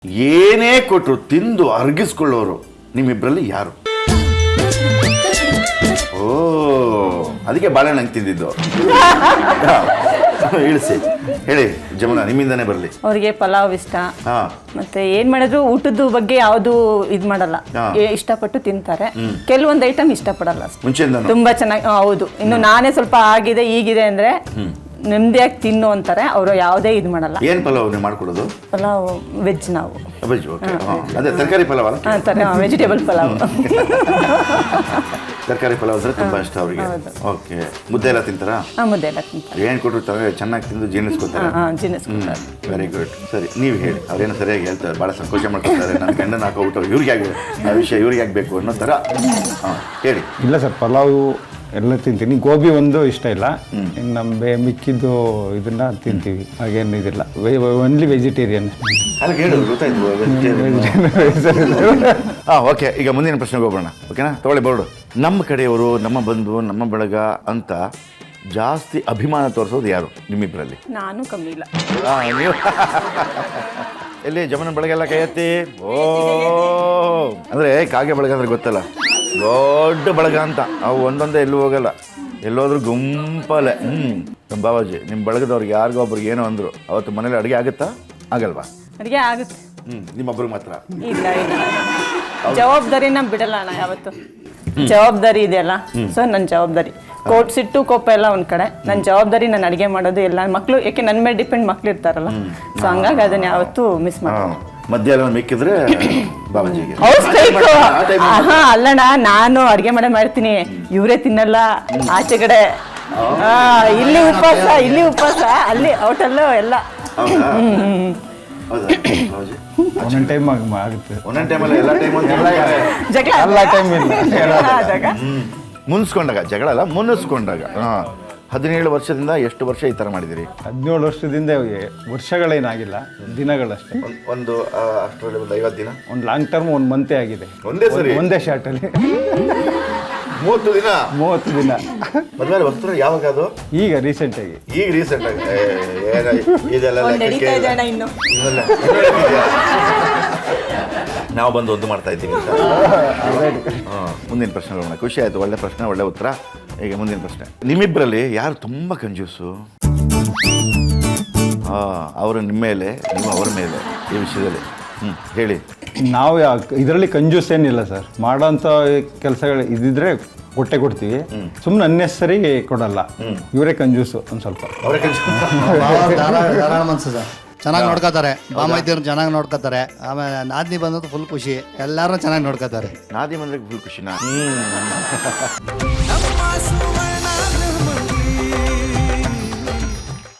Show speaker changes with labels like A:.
A: ಏನೇ ಕೊಟ್ಟರು ತಿಂದು ಅರ್ಗಿಸ್ಕೊಳ್ಳೋರು ನಿಮ್ಮಿಬ್ಬರಲ್ಲಿ ಯಾರು? ಓ, ಅದಕ್ಕೆ ಬಾಳೆಹಣ್ಣು ತಿಂದಿದ್ದು. ಇಳಿಸಿ ಹೇಳಿ ಜಮುನಾ, ನಿಮ್ಮಿಂದಾನೇ ಬರಲಿ.
B: ಅವ್ರಿಗೆ ಪಲಾವ್ ಇಷ್ಟ, ಮತ್ತೆ ಏನ್ ಮಾಡಿದ್ರು ಊಟದ ಬಗ್ಗೆ ಯಾವ್ದು ಇದ್ ಮಾಡಲ್ಲ, ಇಷ್ಟಪಟ್ಟು ತಿಂತಾರೆ. ಕೆಲವೊಂದು ಐಟಮ್ ಇಷ್ಟಪಡಲ್ಲ
A: ಮುಂಚೆಯಿಂದ.
B: ತುಂಬಾ ಚೆನ್ನಾಗಿ, ಹೌದು. ಇನ್ನು ನಾನೇ ಸ್ವಲ್ಪ ಆಗಿದೆ ಈಗಿದೆ ಅಂದ್ರೆ ನೆಮ್ಮದಿಯಾಗಿ ತಿನ್ನು ಅಂತಾರೆ. ಅವರು ಯಾವುದೇ ಇದು ಮಾಡಲ್ಲ.
A: ಏನ್ ಪಲಾವ್ ನೀವು ಮಾಡ್ಕೊಡೋದು?
B: ಪಲಾವ್ ವೆಜ್. ನಾವು
A: ವೆಜ್. ಅದೇ ತರಕಾರಿ ಪಲಾವ್ ಅಲ್ಲ,
B: ವೆಜಿಟೇಬಲ್ ಪಲಾವ್.
A: ತರಕಾರಿ ಪಲಾವ್ ಅಂದ್ರೆ ತುಂಬಾ ಇಷ್ಟ ಅವ್ರಿಗೆ. ಓಕೆ, ಮುದ್ದೆ ಎಲ್ಲ ತಿಂತಾರಾ?
B: ಮುದ್ದೆ ಎಲ್ಲ ತಿಂತಾರೆ.
A: ಏನ್ ಕೊಟ್ಟಿರ್ತಾರೆ ಚೆನ್ನಾಗಿ ತಿಂದು ಜೀರ್ಣಿಸ್ಕೊತಾರೆ. Very good. ಸರಿ, ನೀವು ಹೇಳಿ. ಅವ್ರೇನು ಸರಿಯಾಗಿ ಹೇಳ್ತಾರೆ, ಬಹಳ ಸಂಕೋಚ ಮಾಡ್ಕೊತಾರೆ. ನನ್ನ ಗಂಡನ ಹಾಕೋಬಿಟ್ಟು ಇವ್ರಿಗೆ ಆಗಿದೆ ಆ ವಿಷಯ, ಇವ್ರಿಗೆ ಆಗ್ಬೇಕು ಅನ್ನೋ ತರ. ಹೇಳಿ.
C: ಇಲ್ಲ ಸರ್, ಪಲಾವ್ ಎಲ್ಲ ತಿಂತೀನಿ. ಗೋಬಿ ಒಂದು ಇಷ್ಟ ಇಲ್ಲ. ಇನ್ನು ನಮ್ಮ ಮಿಕ್ಕಿದ್ದು ಇದನ್ನ ತಿಂತೀವಿ, ಹಾಗೇನು ಇದಿಲ್ಲ. Only vegetarian.
A: ಅಲ್ಲ ಹೇಳು, ಗೊತ್ತಾಯ್ತು. ಓಕೆ, ಈಗ ಮುಂದಿನ ಪ್ರಶ್ನೆಗೆ ಹೋಗೋಣ. ಓಕೆನಾ? ತಗೊಳ್ಳಿ ಬೋರ್ಡು. ನಮ್ಮ ಕಡೆಯವರು, ನಮ್ಮ ಬಂಧು, ನಮ್ಮ ಬಳಗ ಅಂತ ಜಾಸ್ತಿ ಅಭಿಮಾನ ತೋರಿಸೋದು ಯಾರು ನಿಮ್ಮಿಬ್ಬರಲ್ಲಿ?
B: ನಾನು ಕಮ್ಮಿ ಇಲ್ಲ.
A: ನೀವು ಎಲ್ಲಿ ಜಮನ ಬಳಗ ಎಲ್ಲ ಕೈ ಎತ್ತಿ. ಓ, ಅಂದ್ರೆ ಕಾಗೆ ಬಳಗ ಅಂದ್ರೆ ಗೊತ್ತಲ್ಲ, ದೊಡ್ಡ ಬಳಗ ಅಂತ. ಅವು ಒಂದೊಂದೇ ಎಲ್ಲೂ ಹೋಗಲ್ಲ, ಎಲ್ಲೋದ್ರೂ ಗುಂಪಲ್ಲೇ. ಬಾಬಾಜಿ, ನಿಮ್ಮ ಬಳಗದವ್ರಿಗೆ ಯಾರಿಗೊಬ್ರಿಗೆ ಏನೋ ಅಂದ್ರು, ಅವತ್ತು ಮನೇಲಿ ಅಡುಗೆ ಆಗುತ್ತಾ ಆಗಲ್ವಾ?
B: ಅಡುಗೆ ಆಗುತ್ತೆ.
A: ನಿಮ್ಮೊಬ್ರಿಗೆ ಮಾತ್ರ
B: ಇಲ್ಲ ಇಲ್ಲ, ಜವಾಬ್ದಾರಿನ ಬಿಡಲ್ಲ ಅಣ್ಣ ಯಾವತ್ತು. ಜವಾಬ್ದಾರಿ ಇದೆಯಲ್ಲ, ಸೊ ನನ್ನ ಜವಾಬ್ದಾರಿ. ಸಿಟ್ಟು ಕೋಪ ಎಲ್ಲ ಒಂದ್ ಕಡೆ, ನನ್ನ ಜವಾಬ್ದಾರಿ ನಾನು ಅಡುಗೆ ಮಾಡೋದು ಎಲ್ಲ. ಮಕ್ಕಳು ಯಾಕೆ ನನ್ನ ಮೇಲೆ ಡಿಪೆಂಡ್ ಮಕ್ಳು ಇರ್ತಾರಲ್ಲ, ಸೊ ಹಂಗಾಗಿ ಅದನ್ನ ಯಾವತ್ತೂ ಮಿಸ್ ಮಾಡಲ್ಲ.
A: ಮಧ್ಯಾಹ್ನ ಮಿಕ್ಕಿದ್ರೆ ಬಾಬಾಜಿಗೆ.
B: ಅಲ್ಲಣ್ಣ, ನಾನು ಅಡುಗೆ ಮಾಡ್ತೀನಿ, ಇವರೇ ತಿನ್ನಲ್ಲ ಆಚೆ ಕಡೆ. ಇಲ್ಲಿ ಉಪವಾಸ, ಅಲ್ಲಿ ಔಟಲ್ಲೂ ಎಲ್ಲ.
C: ಒಂದೊಂದು ಟೈಮ್ ಆಗುತ್ತೆ,
A: ಒಂದೊಂದು ಟೈಮಲ್ಲಿ ಎಲ್ಲ ಟೈಮ್ ಮುನ್ಸ್ಕೊಂಡಾಗ ಜಗಳ ಅಲ್ಲ, ಮುನ್ನಿಸ್ಕೊಂಡಾಗ. 17 ವರ್ಷದಿಂದ ಎಷ್ಟು ವರ್ಷ ಈ ಥರ ಮಾಡಿದಿರಿ?
C: 17 ವರ್ಷದಿಂದ ವರ್ಷಗಳೇನಾಗಿಲ್ಲ, ದಿನಗಳಷ್ಟೇ.
A: ಒಂದು ಅಷ್ಟರಲ್ಲಿ ಒಂದು 50 ದಿನ,
C: ಒಂದು ಲಾಂಗ್ ಟರ್ಮ್ 1 ಮಂತೇ ಆಗಿದೆ. ಒಂದೇ ಶಾರ್ಟಲ್ಲಿ
A: 30 ದಿನ.
C: 30 ದಿನ.
A: ಮದುವೆ ವಸ್ತು ಯಾವಾಗ ಅದು?
C: ಈಗ ರೀಸೆಂಟ್ ಆಗಿ.
A: ಇದೆಲ್ಲ ನಾವು ಬಂದು ಒಂದು ಮಾಡ್ತಾ ಇದ್ದೀವಿ ಅಂತ. ಮುಂದಿನ ಪ್ರಶ್ನೆ ಹೋಗೋಣ. ಖುಷಿ ಆಯ್ತು, ಒಳ್ಳೆ ಪ್ರಶ್ನೆ, ಒಳ್ಳೆ ಉತ್ತರ. ಈಗ ಮುಂದಿನ ಪ್ರಶ್ನೆ, ನಿಮ್ಮಿಬ್ಬರಲ್ಲಿ ಯಾರು ತುಂಬಾ ಕಂಜೂಸು? ಅವರು ನಿಮ್ಮ ಮೇಲೆ, ನೀವು ಅವರ ಮೇಲೆ ಈ ವಿಷಯದಲ್ಲಿ ಹೇಳಿ.
C: ನಾವು ಇದರಲ್ಲಿ ಕಂಜೂಸ್ ಏನಿಲ್ಲ ಸರ್. ಮಾಡೋಂಥ ಕೆಲಸಗಳು ಇದ್ದಿದ್ರೆ ಕೊಡ್ತೀವಿ, ಸುಮ್ಮನೆ ಅನ್ನೆಸರಿ ಕೊಡಲ್ಲ. ಇವರೇ ಕಂಜೂಸು ಒಂದು ಸ್ವಲ್ಪ.
D: ಧಾರಾಳ ಮನ್ಸು ಸರ್, ಚೆನ್ನಾಗಿ ನೋಡ್ಕೋತಾರೆ. ಬಾಮೈತಿಯವ್ರು ಚೆನ್ನಾಗಿ ನೋಡ್ಕೋತಾರೆ. ಆಮೇಲೆ ನಾದಿನಿ ಬಂದದ್ದು ಫುಲ್ ಖುಷಿ, ಎಲ್ಲರೂ ಚೆನ್ನಾಗಿ ನೋಡ್ಕೋತಾರೆ.
A: ನಾದಿ ಬಂದ್ರೆ ಫುಲ್ ಖುಷಿನಾ?